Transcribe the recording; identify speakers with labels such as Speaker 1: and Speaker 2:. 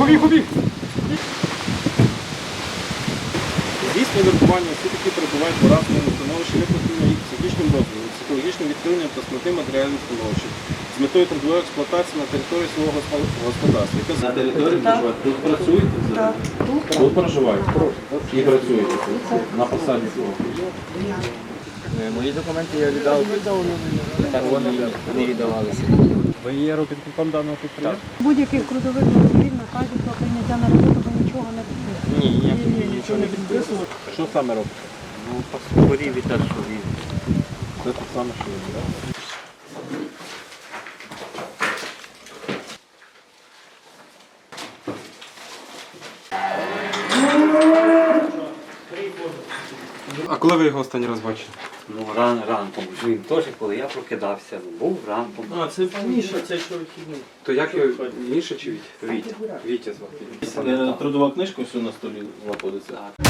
Speaker 1: побіг! Здійснює наркування всі такі перебувають в уразному становищі непрохідно їх психічним розвитком, психологічним відхиленням та складним матеріальним становищем з метою трудової експлуатації на території свого господарства. На території проживаєте? Тут працюєте?
Speaker 2: Так.
Speaker 1: Тут проживаєте? І працюєте тут? На посаді свого?
Speaker 3: Мої документи я віддав, так вони не віддавалися.
Speaker 1: Ви є робітником даного підприємства?
Speaker 2: Будь-яких трудових договорів, наказів про прийняття на роботу ви нічого не підписуєте.
Speaker 1: Ні, нічого не підписували. Що саме робите?
Speaker 3: Ну, паспорів і так, що він.
Speaker 1: Це те саме, що ви, так?
Speaker 4: А коли ви його останній раз бачили?
Speaker 3: Ну, ранком. Він теж, коли я прокидався, був ранком.
Speaker 1: А, це Міша, це що вихідний.
Speaker 4: То як його Міша чи Вітя?
Speaker 3: Вітя.
Speaker 4: Вітя звати.
Speaker 1: Трудова книжка все на столі знаходиться.
Speaker 3: Так.